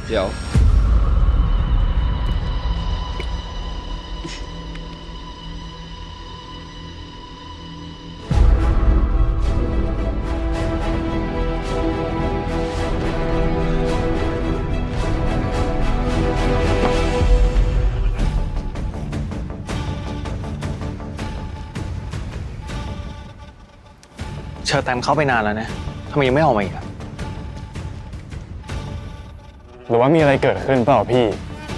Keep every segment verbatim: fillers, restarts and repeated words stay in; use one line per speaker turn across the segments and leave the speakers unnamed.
เดี๋ยว
เชอร์แตมเข้าไปนานแล้วนะทำไมยังไม่ออกมาอีกอะหรือว่ามีอะไรเกิดขึ้นเปล่าพี่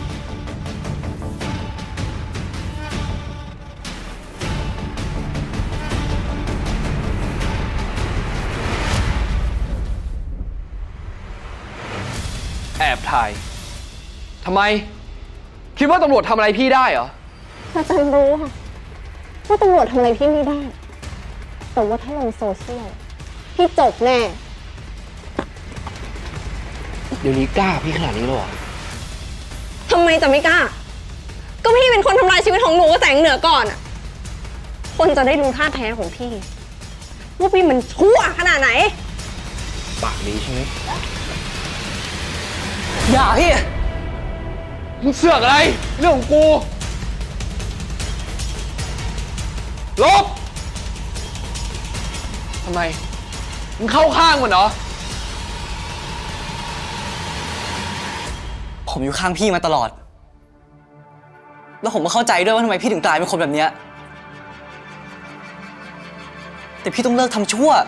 แอบถ่ายทำไมคิดว่าตำรวจทำอะไรพี่ได้เหรอ
อาจารย์รู้ค่ะว่าตำรวจทำอะไรพี่ไม่ได้แต่ว่าถ้าลงโซเชียลพี่จบแน่
เดี๋ยวนี้กล้าพี่ขนาดนี้เลยเหรอ
ทำไมจะไม่กล้าก็พี่เป็นคนทำลายชีวิตของหนูกับแสงเหนือก่อนอะคนจะได้รู้ท่าแท้ของพี่ว่าพี่มันชั่วขนาดไหน
ปากดีใช่ไหมอย่าพี่มึงเสือกอะไรเรื่องของกูลบทำไมมึงเข้าข้างมันเหรอ
ผมอยู่ข้างพี่มาตลอดแล้วผมก็เข้าใจด้วยว่าทำไมพี่ถึงกลายเป็นคนแบบนี้แต่พี่ต้องเลิกทำชั่ว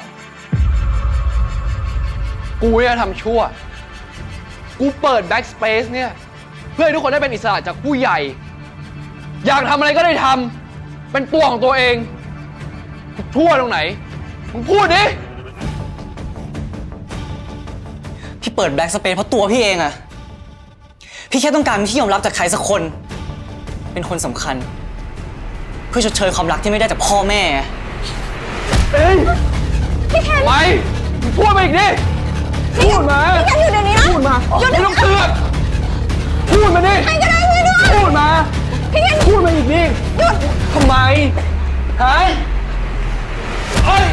กูเนี่ยทำชั่วกูเปิด Backspace เนี่ยเพื่อให้ทุกคนได้เป็นอิสระจากผู้ใหญ่อยากทำอะไรก็ได้ทำเป็นตัวของตัวเองชั่วตรงไหนมึงพูดดิ
พี่เปิด Black Space เพราะตัวพี่เองอะพี่แค่ต้องการที่ยอมรับจากใครสักคนเป็นคนสำคัญเพื่อชดเชยความรักที่ไม่ได้จากพ่อแม่
เอ้ยพี่แคนไม่พูดมาอีกดิพูดมา
พี่แคนอยู่เดี๋ยวนี้นะ
พูดมาไม่ต้องเสือกพูดมาดิ
ใครก็ได้ช่วยด้วย
พูดมา
พี่แคน
พูดมาอีกดิ
หยุด
ทำไมฮะเฮ้ย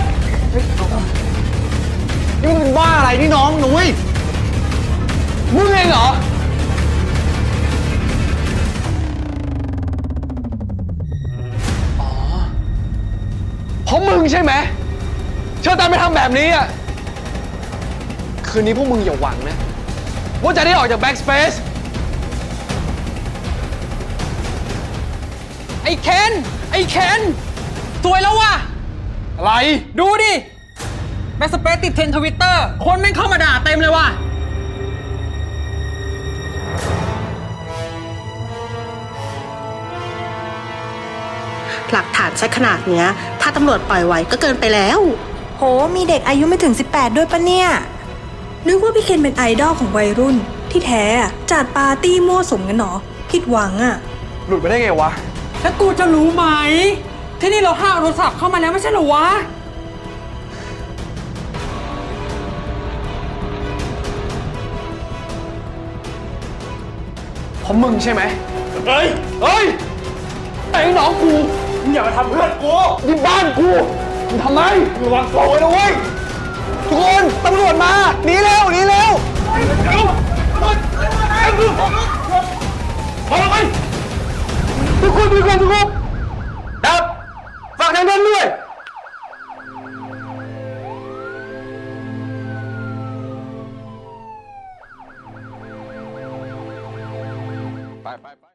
นี่มึงเป็นบ้าอะไรนี่น้องหนุ่ยมึงเองเหรอเพราะมึงใช่ไหมเชิญตามไปทำแบบนี้อ่ะคืนนี้พวกมึงอย่าหวังนะว่าจะได้ออกจาก Backspace
ไอ้เคนไอ้เคนสวยแล้วว่ะ
อะไร
ดูดิแบ็กสเปซติดเทรนด์ทวิตเตอร์คนแม่งเข้ามาด่าเต็มเลยว่ะ
หลักฐานชัดขนาดเนี้ยถ้าตำรวจปล่อยไว้ก็เกินไปแล้ว
โหมีเด็กอายุไม่ถึงสิบแปดด้วยปะเนี่ยนึกว่าพี่เคนเป็นไอดอลของวัยรุ่นที่แท้จัดปาร์ตี้มั่วสุมกันหรอผิดหวังอะ
หลุดไปได้ไงวะ
แล้วกูจะรู้ไหมที่นี่เราห้ามโทรศัพท์เข้ามาแล้วไม่ใช่เหรอวะ
เพราะมึงใช่ไหมเฮ้ยเฮ้ยไอ้น้องกูมึงอย่ามาทำเพื่อนกูนี่บ้านกูมึงทำไมมึงวางตัวไว้นะเว้ยทุกคนตำรวจมาหนีเร็วหนีเร็วเร็วพอแล้วไปทุกคนทุกคนทุกคนดับฝากทางนั้นด้วยไปไป